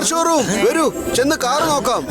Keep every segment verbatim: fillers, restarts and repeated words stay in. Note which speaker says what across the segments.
Speaker 1: Car showroom. വരൂ, ചെന്ന് car നോക്കാം.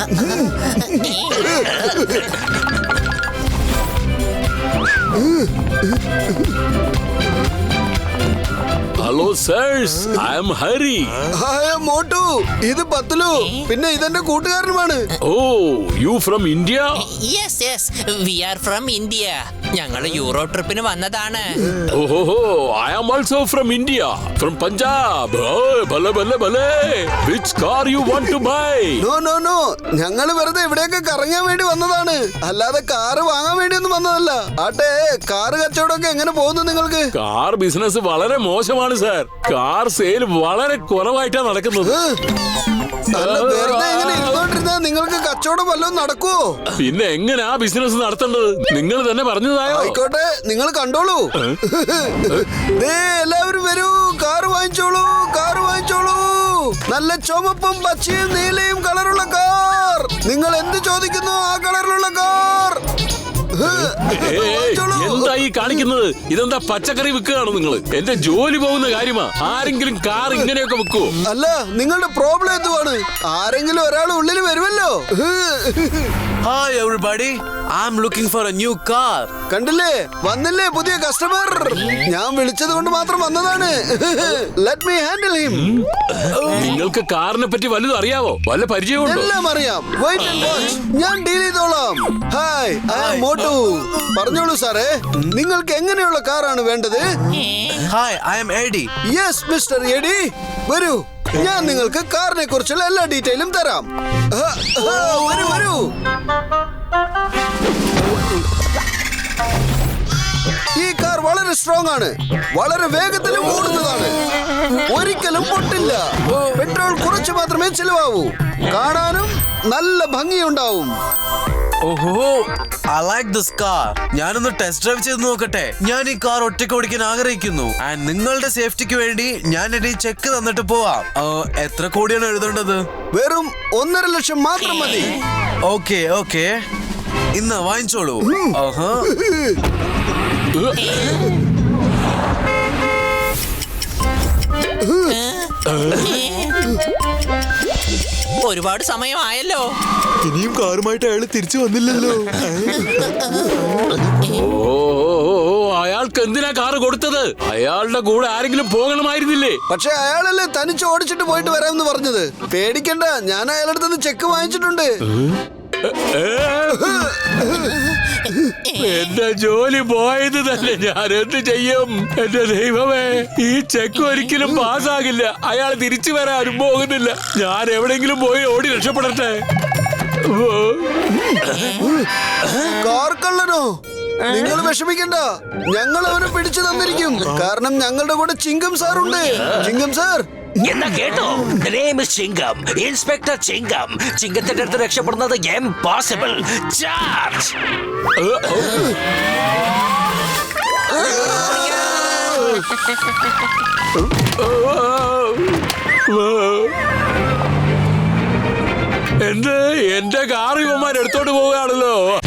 Speaker 2: Hello sirs, I am Hari.
Speaker 1: Motu, ഇത് പത്ലു. പിന്നെ ഇതെന്റെ കൂട്ടുകാരനുമാണ്.
Speaker 2: Oh, you from India?
Speaker 3: Yes yes, we are from India. ഞങ്ങൾ യൂറോ ട്രിപ്പിന് വന്നതാണ്.
Speaker 2: ഓഹോ, I am also from India, from Punjab. ഭലേ ഭലേ ഭലേ. Which car you want to buy?
Speaker 1: No no no, ഞങ്ങള് വെറുതെ ഇവിടെയൊക്കെ കറങ്ങാൻ വേണ്ടി വന്നതാണ്, അല്ലാതെ കാറ് വാങ്ങാൻ വേണ്ടി ഒന്നും വന്നതല്ല. ആട്ടെ, കാറ് കച്ചവടമൊക്കെ എങ്ങനെ പോകുന്നു നിങ്ങൾക്ക്?
Speaker 2: കാർ ബിസിനസ് വളരെ മോശമാണ് സാർ. കാർ സെയിൽ വളരെ കുറവായിട്ടാണ് നടക്കുന്നത്.
Speaker 1: അല്ല, വെറുതെ ഇങ്ങനെ ഇരുന്നോണ്ടിരുന്നാ നിങ്ങൾക്ക് കച്ചവടം വല്ലതും നടക്കുവോ?
Speaker 2: പിന്നെ എങ്ങനെയാ ബിസിനസ് നടത്തേണ്ടത്? നിങ്ങൾ തന്നെ പറഞ്ഞതായോ?
Speaker 1: ആയിക്കോട്ടെ, നിങ്ങൾ കണ്ടോളൂ. ദേ, എല്ലാവരും വരൂ, കാറ് വാങ്ങിച്ചോളൂ, കാറ് വാങ്ങിച്ചോളൂ. നല്ല ചുമപ്പും പച്ചയും നീലയും കളറുള്ള കാർ. നിങ്ങൾ എന്ത് ചോദിക്കുന്നു ആ കളറിലുള്ള കാർ.
Speaker 2: എന്താ ഈ കാണിക്കുന്നത്? ഇതെന്താ പച്ചക്കറി വിൽക്കുകയാണ് നിങ്ങൾ? എന്റെ ജോലി പോകുന്ന കാര്യമാ. ആരെങ്കിലും കാർ ഇങ്ങനെയൊക്കെ വിൽക്കുവോ?
Speaker 1: അല്ല, നിങ്ങളുടെ പ്രോബ്ലം എന്തുവാണ്? ആരെങ്കിലും ഒരാൾ ഉള്ളിൽ വരുമല്ലോ.
Speaker 4: Hi everybody, I'm looking for a new car.
Speaker 1: കണ്ടില്ലേ, വന്നില്ലേ പുതിയ കസ്റ്റമർ. ഞാൻ വിളിച്ചത് കൊണ്ട് മാത്രം വന്നതാണ്. Let me handle him.
Speaker 2: നിങ്ങൾക്ക് കാറിനെ പറ്റി വല്ലതും അറിയാവോ? വല്ല പരിചയമുണ്ടോ?
Speaker 1: എല്ലാം അറിയാം. വെയിറ്റ് ആൻഡ് വാച്ച്, ഞാൻ ഡീൽ ചെയ്തോളാം. Hi, I am Motu. പറഞ്ഞോളൂ സാറേ, നിങ്ങൾക്ക് എങ്ങനെയുള്ള കാറാണ് വേണ്ടത്?
Speaker 4: Hi, I am Eddie.
Speaker 1: Yes mister Eddie, വരൂ. ഞാൻ നിങ്ങൾക്ക് കാറിനെ കുറിച്ചുള്ള എല്ലാ ഡീറ്റെയിലും തരാം. ആ, ആ, വരൂ വരൂ. ഈ കാർ വളരെ സ്ട്രോങ് ആണ്, വളരെ വേഗത്തിലും ഓടുന്നതാണ്, ഒരിക്കലും പൊട്ടില്ല. പെട്രോൾ കുറച്ച് മാത്രമേ ചിലവാവൂ, കാണാനും നല്ല ഭംഗിയുണ്ടാവും.
Speaker 4: ഓഹോ, I like this car. ഞാനൊന്ന് ടെസ്റ്റ് ഡ്രൈവ് ചെയ്ത് നോക്കട്ടെ. ഞാൻ ഈ കാർ ഒറ്റയ്ക്ക് ഓടിക്കാൻ ആഗ്രഹിക്കുന്നു. ആൻഡ് നിങ്ങളുടെ സേഫ്റ്റിക്ക് വേണ്ടി ഞാൻ എന്റെ ചെക്ക് തന്നിട്ട് പോവാം. ആ, എത്ര കോടിയാണ് എഴുതേണ്ടത്?
Speaker 1: വെറും ഒന്നര ലക്ഷം മാത്രം മതി.
Speaker 4: ഓക്കെ ഓക്കെ, ഇന്ന് വാങ്ങിച്ചോളൂ. ആഹാ.
Speaker 3: ഒരുപാട് സമയമായല്ലോ.
Speaker 5: ഇനിയും കാറുമായിട്ട് അയാൾ തിരിച്ചു വന്നില്ലല്ലോ.
Speaker 2: ഓ, അയാൾക്ക് എന്തിനാ കാറ് കൊടുത്തത്? അയാളുടെ കൂടെ ആരെങ്കിലും പോകണമായിരുന്നില്ലേ?
Speaker 1: പക്ഷെ അയാളല്ലേ തനിച്ച് ഓടിച്ചിട്ട് പോയിട്ട് വരാമെന്ന് പറഞ്ഞത്. പേടിക്കണ്ട, ഞാൻ അയാളുടെ നിന്ന് ചെക്ക് വാങ്ങിച്ചിട്ടുണ്ട്.
Speaker 2: എന്റെ ജോലി പോയത് തന്നെ. ഞാൻ എന്ത് ചെയ്യും? എന്റെ ദൈവമേ, ഈ ചെക്ക് ഒരിക്കലും പാസ്സാകില്ല. അയാൾ തിരിച്ചു വരാനും പോകുന്നില്ല. ഞാൻ എവിടെങ്കിലും പോയി ഓടി രക്ഷപ്പെടട്ടെ.
Speaker 1: കാർ കള്ളനോ? നിങ്ങൾ വിഷമിക്കണ്ട, ഞങ്ങൾ അവനെ പിടിച്ചു തന്നിരിക്കും. കാരണം ഞങ്ങളുടെ കൂടെ ചിങ്കം സാർ ഉണ്ട്. ചിങ്കം സാർ,
Speaker 6: എന്നാ കേട്ടോ, ചിങ്കം, ഇൻസ്പെക്ടർ ചിങ്കം. ചിങ്കത്തിന്റെ അടുത്ത് രക്ഷപ്പെടുന്നത് ഇംപോസിബിൾ. ചാർജ്.
Speaker 2: എന്ത്? എന്റെ കാർ ഇവന്മാർ എടുത്തോണ്ട് പോവുകയാണല്ലോ.